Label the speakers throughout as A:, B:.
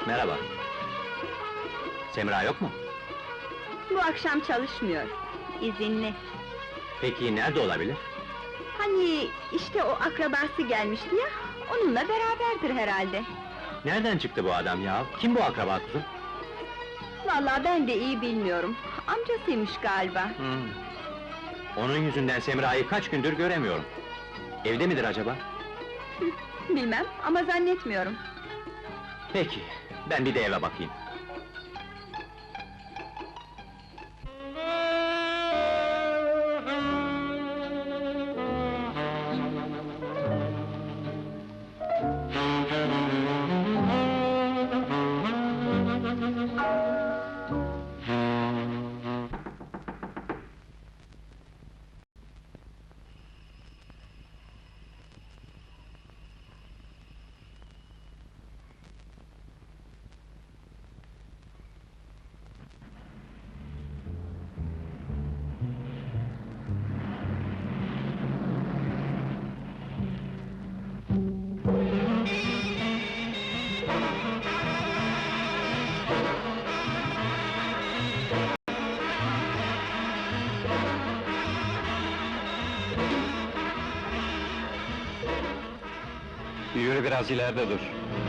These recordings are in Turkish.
A: Merhaba. Semra yok mu?
B: Bu akşam çalışmıyor, izinli.
A: Peki nerede olabilir?
B: Hani işte o akrabası gelmişti ya, onunla beraberdir herhalde.
A: Nereden çıktı bu adam ya? Kim bu akraba kuzum?
B: Vallahi ben de iyi bilmiyorum, amcasıymış galiba.
A: Onun yüzünden Semra'yı kaç gündür göremiyorum. Evde midir acaba?
B: Bilmem ama zannetmiyorum.
A: Peki, ben bir de eve bakayım. Yürü biraz ileride dur.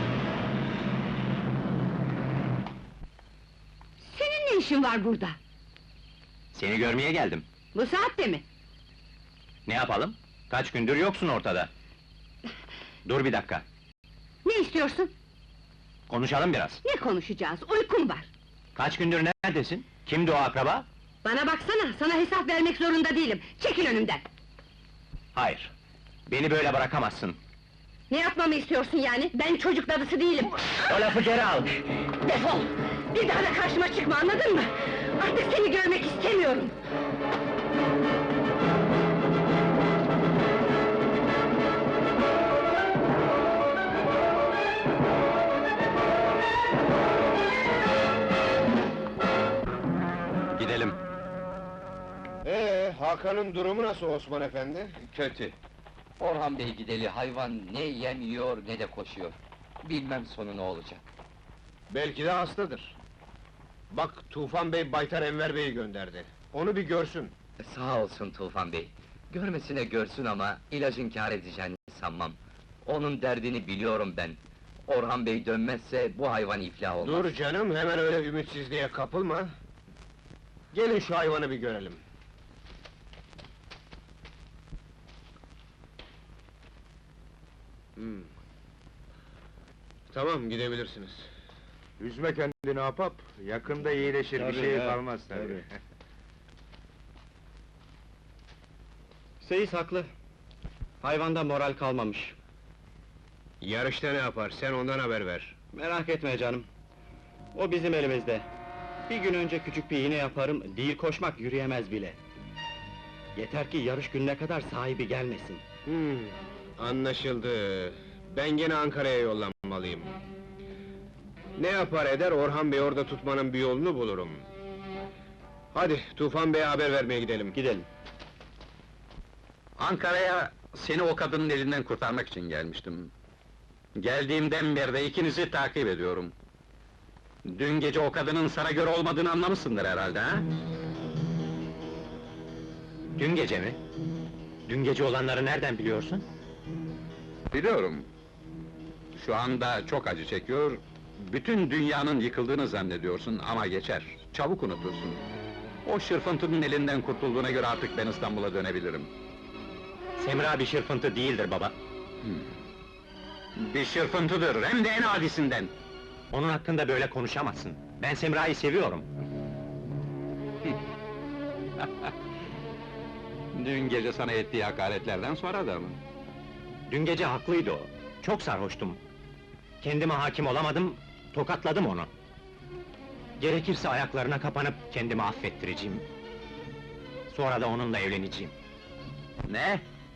B: Senin ne işin var burada?
A: Seni görmeye geldim.
B: Bu saatte mi?
A: Ne yapalım? Kaç gündür yoksun ortada. Dur bir dakika,
B: Ne istiyorsun?
A: konuşalım biraz.
B: Ne konuşacağız? Uykum var.
A: Kaç gündür neredesin? Kimdi o akraba?
B: Bana baksana, sana hesap vermek zorunda değilim. Çekil önümden!
A: Hayır, beni böyle bırakamazsın.
B: Ne yapmamı istiyorsun yani? Ben çocuk dadısı değilim!
A: O lafı geri al!
B: Defol! Bir daha da karşıma çıkma, anladın mı? Artık seni görmek istemiyorum!
A: Gidelim.
C: Hakan'ın durumu nasıl Osman efendi?
D: Kötü. Orhan Bey gideli hayvan ne yemiyor ne de koşuyor. Bilmem sonu ne olacak.
C: Belki de hastadır. Bak, Tufan Bey Baytar Enver Bey'i gönderdi. Onu bir görsün.
D: Sağ olsun Tufan Bey. Görmesine görsün ama ilacın kâr edeceğini sanmam. Onun derdini biliyorum ben. Orhan Bey dönmezse bu hayvan iflah olmaz.
C: Dur canım, hemen öyle ümitsizliğe kapılma. Gelin şu hayvanı bir görelim. Tamam, gidebilirsiniz.
E: Üzme kendini Ahbap, yakında iyileşir, bir şey kalmaz tabii.
F: Seyis haklı. Hayvanda moral kalmamış.
C: Yarışta ne yapar, sen ondan haber ver.
F: Merak etme canım. O bizim elimizde. Bir gün önce küçük bir iğne yaparım, değil koşmak yürüyemez bile. Yeter ki yarış gününe kadar sahibi gelmesin.
C: Anlaşıldı. Ben gene Ankara'ya yollanmalıyım. Ne yapar eder, Orhan Bey orada tutmanın bir yolunu bulurum. Hadi, Tufan Bey'e haber vermeye gidelim.
F: Gidelim.
G: Ankara'ya seni o kadının elinden kurtarmak için gelmiştim. Geldiğimden beri de ikinizi takip ediyorum. Dün gece o kadının sana göre olmadığını anlamışsındır herhalde, ha?
A: Dün gece mi? Dün gece olanları nereden biliyorsun?
G: Biliyorum. Şu anda çok acı çekiyor, bütün dünyanın yıkıldığını zannediyorsun ama geçer, çabuk unutursun. O şırfıntının elinden kurtulduğuna göre artık ben İstanbul'a dönebilirim.
A: Semra bir şırfıntı değildir baba.
G: Bir şırfıntıdır, hem de en adisinden!
A: Onun hakkında böyle konuşamazsın. Ben Semra'yı seviyorum.
G: Dün gece sana ettiği hakaretlerden sonra da mı?
A: Dün gece haklıydı o. Çok sarhoştum. Kendime hakim olamadım, tokatladım onu. Gerekirse ayaklarına kapanıp kendimi affettireceğim. Sonra da onunla evleneceğim.
G: Ne?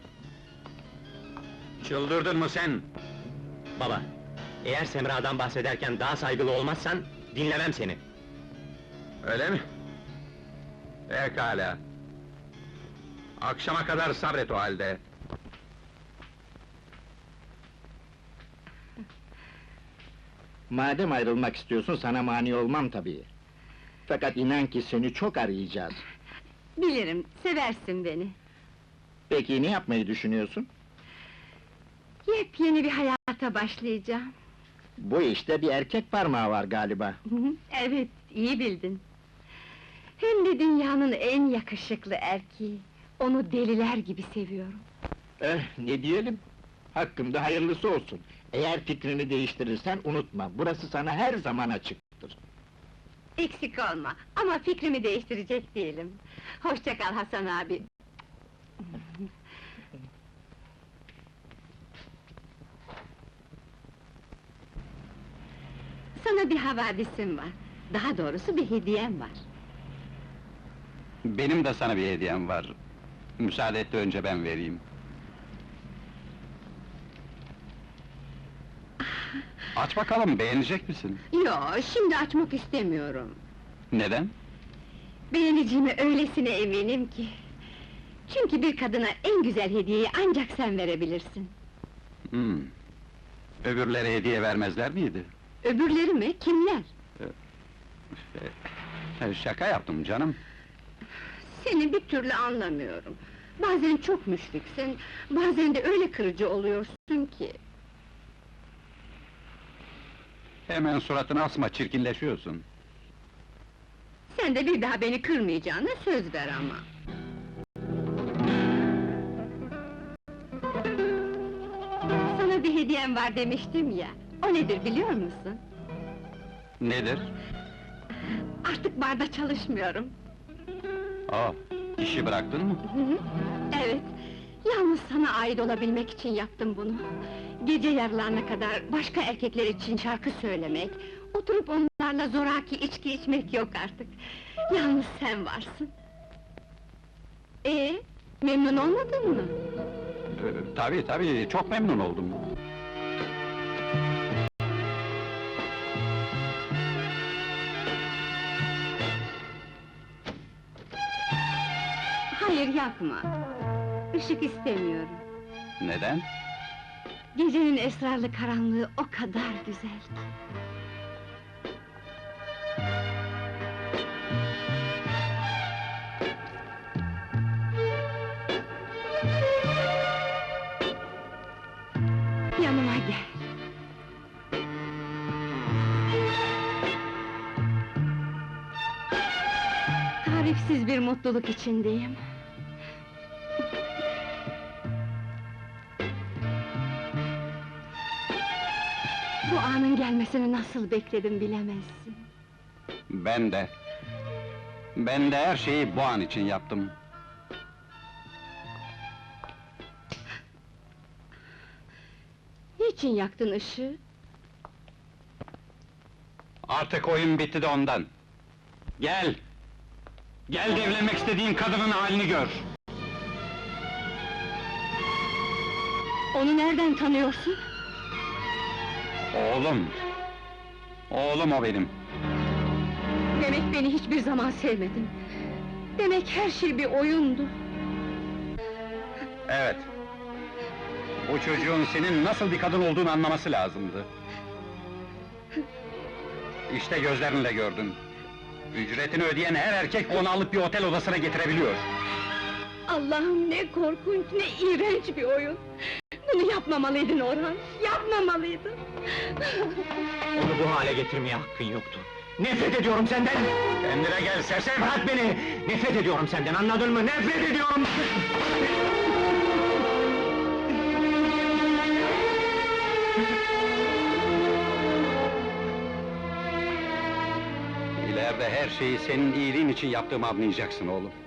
G: Çıldırdın mı sen?
A: Baba, eğer Semra'dan bahsederken daha saygılı olmazsan, dinlemem seni.
G: Öyle mi? Pekala. Akşama kadar sabret o halde.
H: Madem ayrılmak istiyorsun, sana mani olmam tabii. Fakat inan ki seni çok arayacağız.
B: Bilirim, seversin beni.
H: Peki ne yapmayı düşünüyorsun?
B: Yepyeni bir hayata başlayacağım.
H: Bu işte bir erkek parmağı var galiba.
B: Evet, iyi bildin. Hem de dünyanın en yakışıklı erkeği. Onu deliler gibi seviyorum.
H: Ne diyelim? Hakkımda hayırlısı olsun. Eğer fikrini değiştirirsen unutma, burası sana her zaman açıktır.
B: Eksik olma, ama fikrimi değiştirecek değilim. Hoşça kal Hasan abi. Sana bir havadisim var. Daha doğrusu bir hediyem var.
G: Benim de sana bir hediyem var. Müsaade et de önce ben vereyim. Aç bakalım, beğenecek misin?
B: Yo, şimdi açmak istemiyorum.
G: Neden?
B: Beğeneceğime öylesine eminim ki. Çünkü bir kadına en güzel hediyeyi ancak sen verebilirsin.
G: Hmm. Öbürlere hediye vermezler miydi?
B: Öbürleri mi? Kimler?
G: Şaka yaptım canım.
B: Seni bir türlü anlamıyorum. Bazen çok müşfiksin, bazen de öyle kırıcı oluyorsun ki.
G: Hemen suratını asma, çirkinleşiyorsun.
B: Sen de bir daha beni kırmayacağına söz ver ama. Sana bir hediyem var demiştim ya, o nedir biliyor musun?
G: Nedir?
B: Artık barda çalışmıyorum.
G: Aa, işi bıraktın mı?
B: Hı hı, evet, yalnız sana ait olabilmek için yaptım bunu. Gece yarılarına kadar başka erkekler için şarkı söylemek, oturup onlarla zoraki içki içmek yok artık. Yalnız sen varsın. Memnun olmadın mı?
G: Tabii, çok memnun oldum.
B: Hayır, yapma! Işık istemiyorum.
G: Neden?
B: Gecenin esrarlı karanlığı o kadar güzel ki. Yanıma gel. Tarifsiz bir mutluluk içindeyim. Bu anın gelmesini nasıl bekledim bilemezsin.
G: Ben de. Ben de her şeyi bu an için yaptım.
B: Niçin yaktın ışığı?
G: Artık oyun bitti de ondan. Gel! Gel de evlenmek istediğin kadının halini gör!
B: Onu nereden tanıyorsun?
G: Oğlum! Oğlum o benim!
B: Demek beni hiçbir zaman sevmedin. Demek her şey bir oyundu.
G: Evet. Bu çocuğun senin nasıl bir kadın olduğunu anlaması lazımdı. İşte gözlerinle gördün. Ücretini ödeyen her erkek onu alıp bir otel odasına getirebiliyor.
B: Allah'ım, ne korkunç, ne iğrenç bir oyun! Bunu yapmamalıydın Orhan, yapmamalıydın!
A: Onu bu hale getirmeye hakkın yoktu. Nefret ediyorum senden!
G: Kendine gel sersem!
A: Bırak beni! Nefret ediyorum senden, anladın mı? Nefret ediyorum!
G: İleride her şeyi senin iyiliğin için yaptığımı anlayacaksın oğlum.